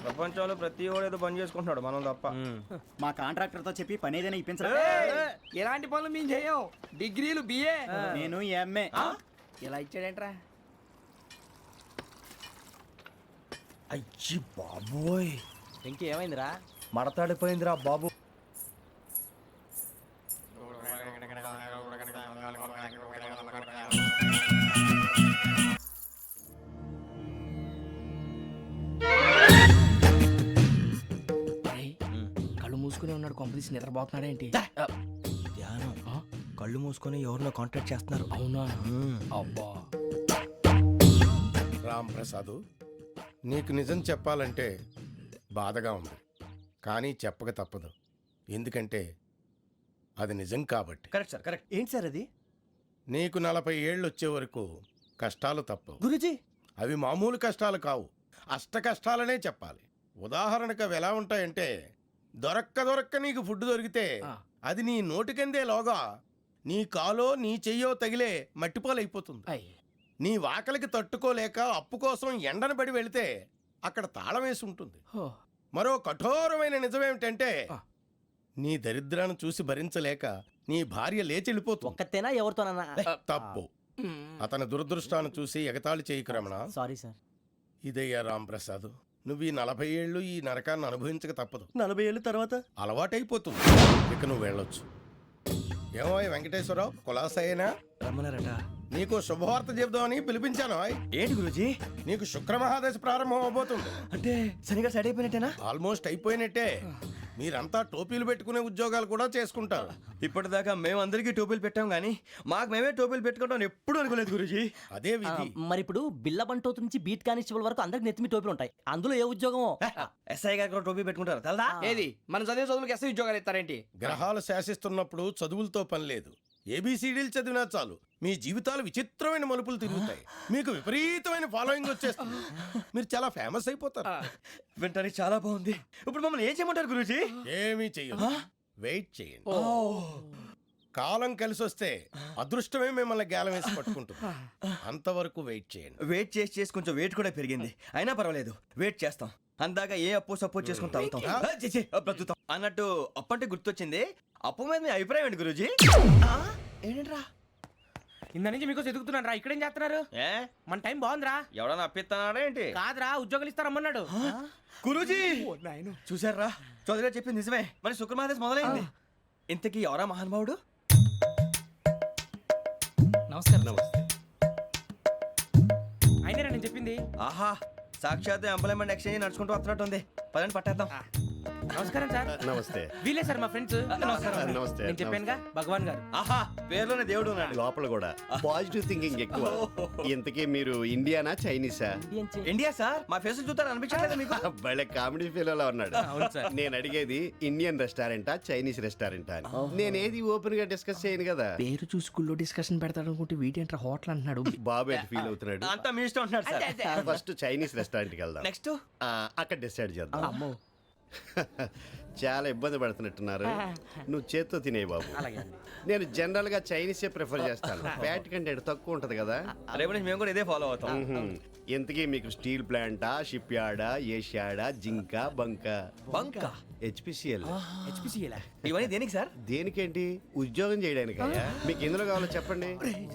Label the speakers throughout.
Speaker 1: ప్రపంచంలో ప్రతి వాడు ఏదో పని చేసుకుంటున్నాడు మనం తప్ప.
Speaker 2: మా కాంట్రాక్టర్ తో చెప్పి పని ఏదైనా ఇప్పించరా?
Speaker 3: ఎలాంటి పనులు మేము చేయం. డిగ్రీలు బిఏ.
Speaker 2: నేను ఎంఏ.
Speaker 3: ఇలా ఇచ్చాడేంట్రా?
Speaker 1: అయ్యి బాబోయ్,
Speaker 3: ఇంకేమైందిరా?
Speaker 1: మడతాడిపోయిందిరా బాబు.
Speaker 3: కళ్ళు మూసుకుని ఉన్నాడు, కొంపదీసి నిద్రపోతున్నాడేంటి?
Speaker 1: ధ్యానం. కళ్ళు మూసుకొని ఎవరినో కాంటాక్ట్ చేస్తున్నారు.
Speaker 3: అవునా? అబ్బా.
Speaker 4: రామ్ ప్రసాద్, నీకు నిజం చెప్పాలంటే బాధగా ఉంది, కానీ చెప్పక తప్పదు. ఎందుకంటే అది నిజం కాబట్టి.
Speaker 1: Correct sir, correct.
Speaker 2: ఏంటి సార్ అది?
Speaker 4: నీకు 40 ఏళ్ళు వచ్చే వరకు కష్టాలు తప్పవు.
Speaker 2: గురుజీ,
Speaker 4: అవి మామూలు కష్టాలు కావు, అష్ట కష్టాలనే చెప్పాలి. ఉదాహరణకు అవి ఎలా ఉంటాయంటే, దొరక్క నీకు ఫుడ్ దొరికితే అది నీ నోటికందే లోగా నీ కాలో నీ చెయ్యో తగిలే మట్టిపాలైపోతుంది. నీ వాకలికి తట్టుకోలేక అప్పు కోసం ఎండను పడి వెళితే అక్కడ తాళం వేసి ఉంటుంది. మరో కఠోరమైన నిజమేమిటంటే, నీ దరిద్రాన్ని చూసి భరించలేక నీ భార్య లేచి వెళ్ళిపోతుంది.
Speaker 5: ఒక్కతేనా ఎవరితోనన్నా?
Speaker 4: తప్పు. అతని దురదృష్టాన్ని చూసి ఎగతాళి చేయకు రమణ.
Speaker 5: Sorry sir.
Speaker 4: ఇదయ్యా రాంప్రసాద్, నువ్వు ఈ 40 ఏళ్ళు ఈ నరకాన్ని అనుభవించక తప్పదు.
Speaker 2: 40 ఏళ్ళ తర్వాత
Speaker 4: అలవాటైపోతుంది. ఇక నువ్వు వెళ్ళొచ్చు. ఏమో వెంకటేశ్వరరావు, కులాసైనా
Speaker 1: రమ్మన్నారట.
Speaker 4: నీకు శుభవార్త చెబుదామని పిలిపించాను.
Speaker 1: ఏంటి గురూజీ?
Speaker 4: నీకు శుక్రమహాదశ ప్రారంభం అవబోతుంది.
Speaker 1: అంటే సరిగా సెట్ అయిపోయినట్టేనా?
Speaker 4: ఆల్మోస్ట్ అయిపోయినట్టే. మీరంతా టోపీలు పెట్టుకునే ఉద్యోగాలు కూడా చేసుకుంటారు.
Speaker 1: ఇప్పటిదాకా మేమందరికీ టోపీలు పెట్టాం కానీ మాకు మేమే టోపీలు పెట్టుకుంటాం ఎప్పుడు అనుకోలేదు గురూజీ.
Speaker 4: అదే విధి.
Speaker 5: మరి ఇప్పుడు బిల్ల బంటోతు నుంచి బీట్ కానిస్టేబుల్ వరకు అందరికి నెత్తిమి టోపీలు ఉంటాయి. అందులో ఏ ఉద్యోగం?
Speaker 1: ఎస్ఐ గారు కూడా టోపీ పెట్టుకుంటారు తెలదా?
Speaker 3: ఏది మన చదివే చదువులకు ఎస్ఐ ఉద్యోగాలు ఇస్తారేంటి?
Speaker 4: గ్రహాలు శాసిస్తున్నప్పుడు చదువులతో పని లేదు. ఏబిసిడీలు చదివినా చాలు మీ జీవితాలు విచిత్రమైన మలుపులు తిరుగుతాయి. మీకు విపరీతమైన ఫాలోయింగ్ వచ్చేస్తుంది. మీరు చాలా ఫేమస్ అయిపోతారు.
Speaker 1: వింటానికి చాలా బాగుంది. ఇప్పుడు మమ్మల్ని ఏం చేయమంటారు గురూజీ?
Speaker 4: ఏమీ చెయ్యదు, వెయిట్ చేయండి. కాలం కలిసి వస్తే అదృష్టమే మిమ్మల్ని గేలం వేసి పట్టుకుంటుంది. అంతవరకు వెయిట్ చేయండి.
Speaker 1: వెయిట్ చేసి కొంచెం వెయిట్ కూడా పెరిగింది. అయినా పర్వాలేదు, వెయిట్ చేస్తాం. అందాక ఏ అప్పు సపోర్ట్ చేసుకుని తాగుతాం, బ్రతుకుతాం అన్నట్టు. అప్పు అంటే గుర్తొచ్చింది. అప్పు మీద మీ అభిప్రాయం ఏంటి గురూజీ? ఏంటరా
Speaker 3: ఇంత నుంచి మీకు ఎదుగుతున్నాను రా. ఇక్కడేం చేస్తున్నారు?
Speaker 1: ఏ
Speaker 3: మన టైం బాగుందిరా.
Speaker 1: ఎవడన్నా అప్పిస్తున్నాడా ఏంటి?
Speaker 3: కాదురా, ఉద్యోగాలు ఇస్తారమ్మన్నాడు.
Speaker 1: గురూజీ చూసారా, చౌదరిగా చెప్పింది నిజమే. మరి శుక్రమహాదేశ్ మొదలైంది. ఇంతకీ ఎవరా మహానుభావుడు?
Speaker 3: నమస్కారం. అయినా నేను చెప్పింది.
Speaker 1: ఆహా, సాక్షాత్ ఎంప్లాయ్మెంట్ ఎక్స్చేంజ్ నడుచుకుంటూ వస్తున్నట్టు ఉంది. పదండి పట్టేద్దాం.
Speaker 3: నమస్కారం సార్.
Speaker 6: నమస్తే.
Speaker 3: వీలే సార్ మా ఫ్రెండ్స్.
Speaker 6: నమస్తే.
Speaker 3: నేను చెప్పానుగా, భగవాన్ గారు.
Speaker 1: ఆహా, పేర్లోనే దేవుడు ఉన్నాడు.
Speaker 6: లోపల కూడా పాజిటివ్ థింకింగ్ ఎక్కువ. ఇంతకీ మీరు ఇండియానా చైనీసా?
Speaker 1: India sir. మా ఫేస్ చూస్తారు అనిపించలేదు మీకు?
Speaker 6: భలే కామెడీ ఫీల్ లా ఉన్నాడు. నేను అడిగేది ఇండియన్ రెస్టారెంటా చైనీస్ రెస్టారెంటా అని. నేనేది ఓపెన్ గా డిస్కస్ చేయను కదా.
Speaker 3: పేరు చూసి స్కూల్లో డిస్కషన్ పెడతాడు అనుకుంటే వీటేంట్రా హోటల్ అంటున్నాడు.
Speaker 6: బాబు ఎట్ ఫీల్ అవుతున్నాడు.
Speaker 1: అంతా మీ ఇష్టం ఉంటున్నాడు సార్.
Speaker 6: ఫస్ట్ చైనీస్ రెస్టారెంట్ కి వెళ్దాం.
Speaker 1: నెక్స్ట్
Speaker 6: అక్కడ డిసైడ్ చేద్దాం. చాలా ఇబ్బంది పడుతున్నట్టున్నారు. నువ్వు చేత్తో తినే బాబు. నేను జనరల్ గా చైనీసే ప్రిఫర్ చేస్తాను. ఫ్యాట్ కంటెంట్ తక్కువ ఉంటది కదా.
Speaker 1: రేపు నుంచి మేము కూడా ఇదే ఫాలో అవుతాం.
Speaker 6: ఎంతకీ మీకు స్టీల్ ప్లాంటా, షిప్ యార్డా, ఏషియాడా, జింక, బంకా? హెచ్పిసిఎల్.
Speaker 1: ఇవన్నీ దేనికి సార్?
Speaker 6: దేనికేంటి? ఉద్యోగం చేయడానికి. మీకు ఎందులో కావాలో చెప్పండి.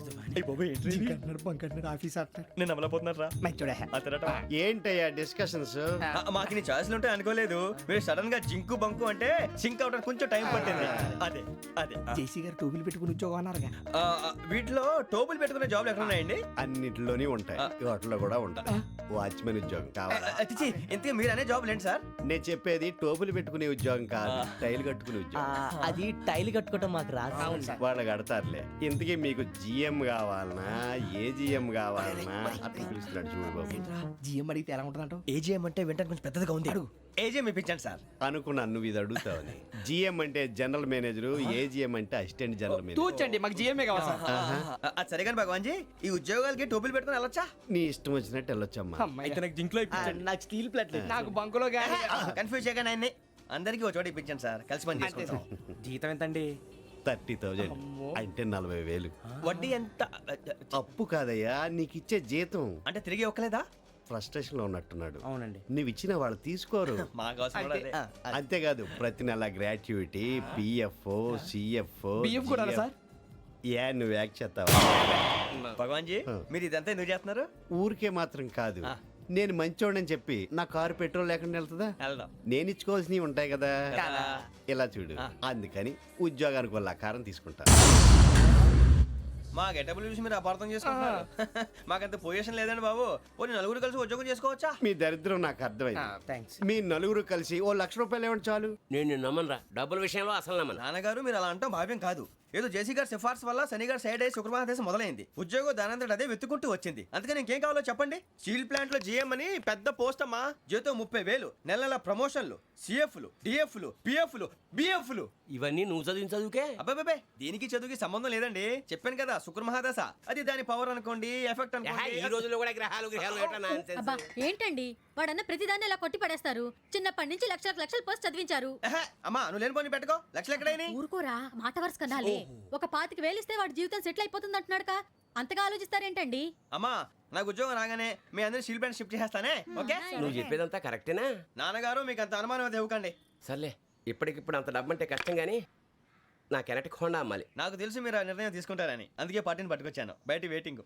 Speaker 1: నేను అమలపోతున్నారా?
Speaker 6: ఏంటయ్యా డిస్కషన్స్?
Speaker 1: మాకు నీ ఛాయిస్లు ఉంటాయి అనుకోలేదు. మీరు సడన్ గా జింకు బంకు అంటే సింక్ అవడానికి కొంచెం టైం పట్టింది. అదే అదే
Speaker 3: జేసీ గారు టోపీలు పెట్టుకుని ఉద్యోగం అన్నారుగా.
Speaker 1: వీటిలో టోపులు పెట్టుకునే జాబ్లు ఎక్కడ ఉన్నాయండి?
Speaker 6: అన్నిటిలోనే ఉంటాయి, వాటిలో కూడా ఉంటాయి. వాచ్మెన్ ఉద్యోగం కావాలా?
Speaker 1: ఇంతకీ మీరు అనే జాబ్ లేండి సార్.
Speaker 6: నేను చెప్పేది టోపులు పెట్టుకునే ఉద్యోగం కాదు, టైల్ కట్టుకునే ఉద్యోగం.
Speaker 5: అది టైల్ కట్టుకోవటం మాకు రాదు.
Speaker 6: వాళ్ళు కడతారులే. ఇంతకీ మీకు జిఎం కావాలనా, ఏజిఎం కావాలనా? అట్లా పిలుస్తున్నాడు చూడు బాబు.
Speaker 3: జిఎం అడిగితే ఎలా ఉంటుందంట?
Speaker 1: ఏజీఎం అంటే వింటానికి కొంచెం పెద్దదిగా ఉంది. ఏజీఎం ఇప్పించండి సార్.
Speaker 6: అనుకున్నాను నువ్వు ఇది అడుగుతావని. జిఎం అంటే జనరల్ మేనేజర్, ఏజిఎం అంటే అసిస్టెంట్ జనరల్ మేనేజర్.
Speaker 3: తూచండి, మాకు జిఎంఏ కావాలి సార్.
Speaker 1: అది సరే కానీ భగవాన్ జీ, ఈ ఉద్యోగాలకి టోపులు పెట్టుకుని వెళ్ళొచ్చా?
Speaker 6: నీ ఇష్టం వచ్చినట్టు వెళ్ళొచ్చమ్మా.
Speaker 3: అయితే నాకు జింక్లో
Speaker 5: నాకు స్టీల్ ప్లేట్
Speaker 3: నాకు బంకులో గానీ.
Speaker 1: కన్ఫ్యూజ్ చేయగానే ఆయన్ని అందరికీ ఒక చోట ఇప్పించండి సార్. కలిసి పని చేసుకుంటాం.
Speaker 3: జీతం ఎంతండి?
Speaker 6: 30,000 అంటే 40,000.
Speaker 1: వడ్డీ ఎంత?
Speaker 6: అప్పు కాదయ్యా, నీకు ఇచ్చే జీతం.
Speaker 1: అంటే తిరిగి ఒక్కలేదా?
Speaker 6: ఫ్రస్ట్రేషన్ లో ఉన్నట్టున్నాడు.
Speaker 2: అవునండి.
Speaker 6: నువ్వు ఇచ్చిన వాళ్ళు తీసుకోరు.
Speaker 1: మాకు అవసరం కూడా అదే.
Speaker 6: అంతేకాదు ప్రతి నెల గ్రాట్యుటీ, పిఎఫ్, సిఎఫ్.
Speaker 3: బియ్యం కూడా సార్?
Speaker 6: నువ్వు యాక్ట్ చేస్తావా?
Speaker 1: భగవాన్ జీ మీరు ఇదంతా ఎందుకు చేస్తున్నారు?
Speaker 6: ఊరికే మాత్రం కాదు, నేను మంచోడని చెప్పి నా కారు పెట్రోల్ లేకుండా వెళ్తుందా?
Speaker 1: వెళ్దాం.
Speaker 6: నేను ఇచ్చుకోవాల్సినవి ఉంటాయి కదా.
Speaker 1: కదా.
Speaker 6: ఇలా చూడు, అందుకని ఉద్యోగానికి వాళ్ళ ఆకారం తీసుకుంటా.
Speaker 1: మా గెటబుల్ చూసి మీరు అపార్థం చేసుకుంటున్నారు. మాకంత పొజిషన్ లేదండి బాబు. పోనీ నలుగురు కలిసి ఉద్యోగం చేసుకోవచ్చా?
Speaker 6: మీ దరిద్రం నాకు అర్థమైంది.
Speaker 2: థ్యాంక్స్.
Speaker 6: మీ నలుగురు కలిసి ఓ ₹1,00,000 ఇవ్వండి చాలు.
Speaker 7: నేను నమ్మనరా, డబ్బుల విషయంలో అసలు నమ్మను.
Speaker 1: నాన్నగారు మీరు అలా అంటాం భావ్యం కాదు. ఏదో జేసీ గారి సిఫార్సు వల్ల శని గారు సైడ్ అయ్యి శుక్రవారం మొదలైంది. ఉద్యోగం దానంతటి అదే వెతుకుంటూ వచ్చింది. అందుకని ఇంకేం కావాలో చెప్పండి. స్టీల్ ప్లాంట్ లో జీఎం అని పెద్ద పోస్ట్ అమ్మా. జీతం 30,000, నెల నెల ప్రమోషన్లు, సిఎఫ్లు, డిఎఫ్లు, పిఎఫ్లు, బిఎఫ్లు.
Speaker 7: ఇవన్నీ నువ్వు చదివిన చదువుకే.
Speaker 1: అబ్బాబే దీనికి చదువుకి సంబంధం లేదండి. చెప్పాను కదా శుక్ర మహాదశ. అది దాని పవర్ అనుకోండి, ఎఫెక్ట్
Speaker 7: ఈ
Speaker 1: అనుకోండి.
Speaker 7: రోజుల్లో కూడా గ్రహాలు ఎట్లా nonsense?
Speaker 8: అబ్బా ఏంటండి వాడన్న ప్రతిదాన్ని ఇలా కొట్టి పడేస్తారు. చిన్నప్పటి నుంచి లక్షల పోస్ట్ చదివించారు.
Speaker 1: ఎహె, అమ్మా నువ్వు లేని పోనీ పెట్టుకో. లక్షలు ఎక్కడైనా
Speaker 8: ఊరుకోరా, మాట వరుస కదాలే. ఒక 25,000 ఇస్తే వాడి జీవితం సెటిల్ అయిపోతుంది అంటున్నాడుక. అంతగా ఆలోచిస్తారేంటండి?
Speaker 1: అమ్మా నాకు ఉద్యోగం రాగానే మీ అందరూ స్టీల్ ప్లాంట్ షిఫ్ట్ చేస్తానే. ఓకే
Speaker 7: నువ్వు చెప్పేదంతా కరెక్టేనా?
Speaker 1: నాన్నగారు మీకు అంత అనుమానం అయితే ఇవ్వకండి.
Speaker 7: సర్లే, ఇప్పటికిప్పుడు అంత డబ్బు అంటే కష్టం కానీ నా కెనటిక్ హోండా అమ్మాలి.
Speaker 1: నాకు తెలుసు మీరు ఆ నిర్ణయం తీసుకుంటారని, అందుకే పార్టీని పట్టుకొచ్చాను. బయట వెయిటింగ్.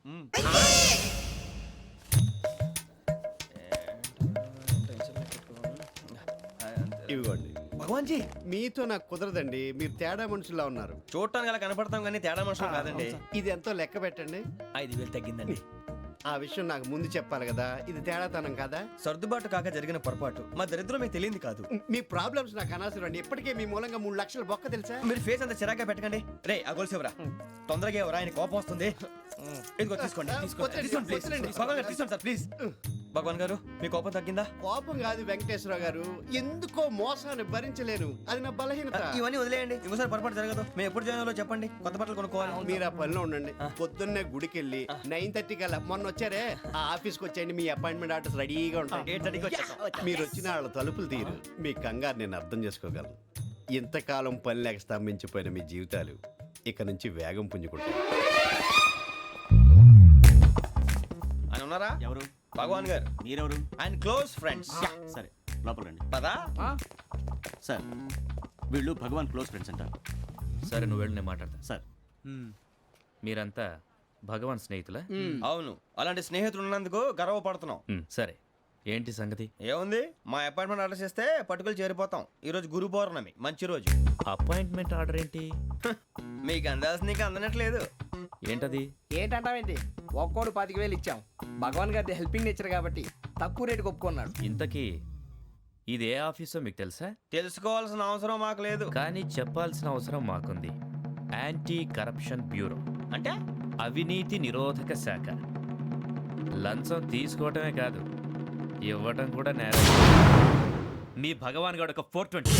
Speaker 6: ఇవ్వండి.
Speaker 1: భగవాన్ జీ
Speaker 6: మీతో నాకు కుదరదండి, మీరు తేడా మనుషుల్లా ఉన్నారు.
Speaker 1: చూడటానికి అలా కనపడతాం కానీ తేడా మనుషులు కాదండి.
Speaker 6: ఇది ఎంతో లెక్క పెట్టండి.
Speaker 1: 5,000 తగ్గిందండి.
Speaker 6: ఆ విషయం నాకు ముందు చెప్పాలి కదా. ఇది తేడాతనం కాదా?
Speaker 1: సర్దుబాటు కాక జరిగిన పొరపాటు. మా దరిద్రం మీకు తెలియంది కాదు.
Speaker 6: మీ ప్రాబ్లమ్స్ నాకు అనవసరం అండి. ఇప్పటికే మీ మూలంగా 3 లక్షలు బొక్క తెలుసా?
Speaker 1: మీరు ఫేస్ అంత చిరాగ్గా పెట్టకండి. రే ఆ గొలుసు ఎవరా? తొందరగా ఎవరా? ఆయన కోపం వస్తుంది. ఇదిగో తీసుకోండి. తీసుకోండి ప్లీజ్. భగవాన్ గారు తీసుకోండి సార్ ప్లీజ్. భగవాన్ గారు మీ కోపం తగ్గిందా?
Speaker 6: కోపం కాదు వెంకటేశ్వరరావు గారు, ఎందుకో మోసాన్ని భరించలేను. అది నా బలహీనత.
Speaker 1: ఇవన్నీ వదిలేయండి. ఇంకోసారి పొరపాటు జరగదు. మేము ఎప్పుడు జాయిన్ అవ్వాలో చెప్పండి. కొత్త బట్టలు కొనుక్కోవాలి.
Speaker 6: మీరు ఆ పనిలో ఉండండి. పొద్దున్నే గుడికి వెళ్ళి 9:30 కల్లా, మొన్న వచ్చారే ఆ ఆఫీస్కి వచ్చేయండి. మీ అపాయింట్మెంట్ ఆర్డర్స్ రెడీగా ఉంటాయి.
Speaker 1: 8:30కి వచ్చేస్తాం.
Speaker 6: మీరు వచ్చిన వాళ్ళ తలుపులు తీరు. మీ కంగారు నేను అర్థం చేసుకోగలను. ఇంతకాలం పని లేక స్తంభించిపోయిన మీ జీవితాలు ఇక నుంచి వేగం పుంజుకుంటాయి.
Speaker 1: ఆయన ఉన్నారా?
Speaker 2: ఎవరు?
Speaker 1: భగవాన్ గారు.
Speaker 2: మీరెవరు?
Speaker 1: ఆయన క్లోజ్ ఫ్రెండ్స్.
Speaker 2: సరే లోపల రండి.
Speaker 1: పదా
Speaker 2: సార్ వీళ్ళు భగవాన్ క్లోజ్ ఫ్రెండ్స్ అంటారు.
Speaker 9: సరే నువ్వు వెళ్ళి నేను మాట్లాడతా.
Speaker 2: సార్
Speaker 9: మీరంతా భగవాన్ స్నేహితులా?
Speaker 1: అవును, అలాంటి స్నేహితులు ఉన్నందుకు గర్వపడుతున్నాం.
Speaker 9: సరే ఏంటి సంగతి?
Speaker 1: ఏముంది, మా అపాయింట్మెంట్ ఆర్డర్ చేస్తే పట్టుకులు చేరిపోతాం. ఈ రోజు గురు పౌర్ణమి, మంచి రోజు.
Speaker 9: అపాయింట్మెంట్ ఆర్డర్ ఏంటి?
Speaker 1: మీకు అందాల్సిన నీకు అందనట్లేదు.
Speaker 9: ఏంటది?
Speaker 3: ఏంటంటావేంటి? ఒక్కోడు 25,000 ఇచ్చాం. భగవాన్ గారి హెల్పింగ్ నేచర్ కాబట్టి తక్కువ రేటుకి ఒప్పుకున్నాడు.
Speaker 9: ఇంతకీ ఇది ఏ ఆఫీసో మీకు తెలుసా?
Speaker 1: తెలుసుకోవాల్సిన అవసరం మాకు లేదు.
Speaker 9: కానీ చెప్పాల్సిన అవసరం మాకుంది. యాంటీ కరప్షన్ బ్యూరో
Speaker 1: అంటే
Speaker 9: అవినీతి నిరోధక శాఖ. లంచం తీసుకోవటమే కాదు, ఇవ్వటం కూడా నేరం. మీ భగవాన్ గారు ఒక 420.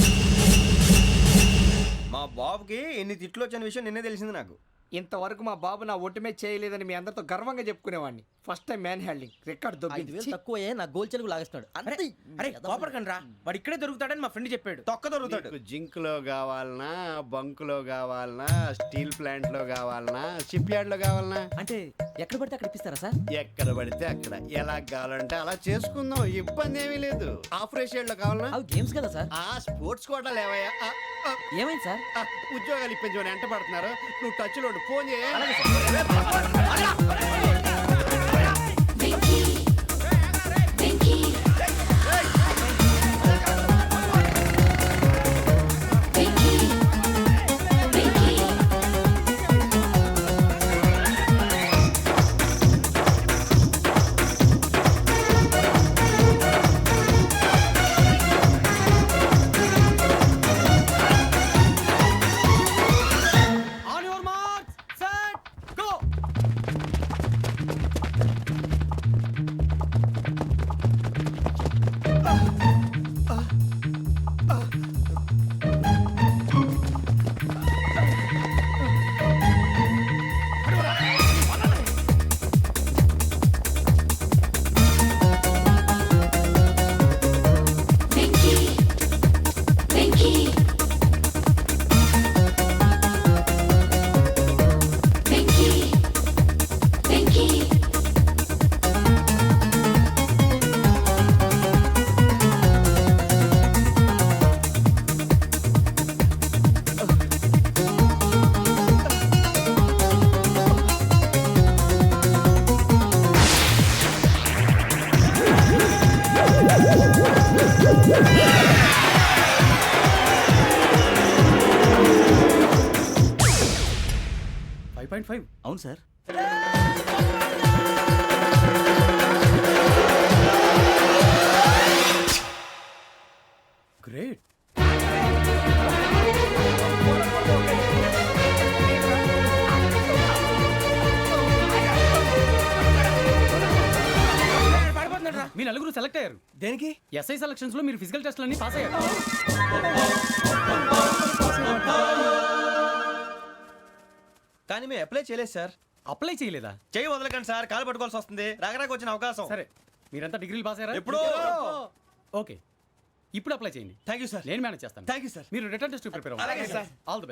Speaker 1: మా బాబుకి ఎన్ని తిట్లు వచ్చిన విషయం నిన్నే తెలిసింది నాకు.
Speaker 3: ఇంతవరకు మా బాబు నా ఒట్టుమే చేయలేదని మీ అందరితో గర్వంగా చెప్పుకునేవాడిని. First time man handing record
Speaker 5: 5,000 తక్కువే నా గోల్ చెలుగు లాగేస్తున్నాడు.
Speaker 2: అరే కోపడకండి రా, వాడు ఇక్కడే దొరుకుతాడని మా ఫ్రెండ్ చెప్పాడు.
Speaker 1: తొక్క దొరుకుతాడు.
Speaker 6: మీకు జింక్ లో కావాలనా, బంక్ లో కావాలనా, స్టీల్ ప్లాంట్ లో కావాలనా, షిప్ యార్డ్ లో కావాలనా?
Speaker 5: అంటే ఎక్కడ పడితే అక్కడ ఇప్పిస్తారా సార్?
Speaker 6: ఎక్కడ పడితే అక్కడ, ఎలా కావాలంటే అలా చేసుకుందాం. ఇబ్బంది ఏమీ లేదు. ఆపరేషన్ లో కావాలనా?
Speaker 5: అవి గేమ్స్ కదా సార్.
Speaker 6: ఆ స్పోర్ట్స్ కోటా లేవయ్యా.
Speaker 5: ఏమైంది సార్?
Speaker 6: ఉద్యోగాలు ఇప్పించమని ఎంట పడుతున్నారు. నువ్వు టచ్ లో ఫోన్ చేయ.
Speaker 2: అవును సార్.
Speaker 3: గ్రేట్.
Speaker 10: మీ నలుగురు సెలెక్ట్ అయ్యారు.
Speaker 1: దేనికి?
Speaker 10: ఎస్ఐ సెలక్షన్స్ లో మీరు ఫిజికల్ టెస్ట్ అన్ని పాస్ అయ్యారు.
Speaker 1: కానీ మేము అప్లై చేయలేదు సార్.
Speaker 10: అప్లై చేయలేదా?
Speaker 1: చేయి వదలకండి సార్, కాలు పట్టుకోవాల్సి వస్తుంది. రాగరాకు వచ్చిన అవకాశం.
Speaker 10: సరే, మీరంతా డిగ్రీలు పాస్ అయ్యారా?
Speaker 1: ఎప్పుడో.
Speaker 10: ఓకే, ఇప్పుడు అప్లై చేయండి.
Speaker 1: Thank you sir.
Speaker 10: నేను మేనేజ్ చేస్తాను.
Speaker 1: Thank you sir.
Speaker 10: మీరు రిటర్న్ టెస్ట్ ప్రిపేర్
Speaker 1: అలాగే సార్.
Speaker 10: All the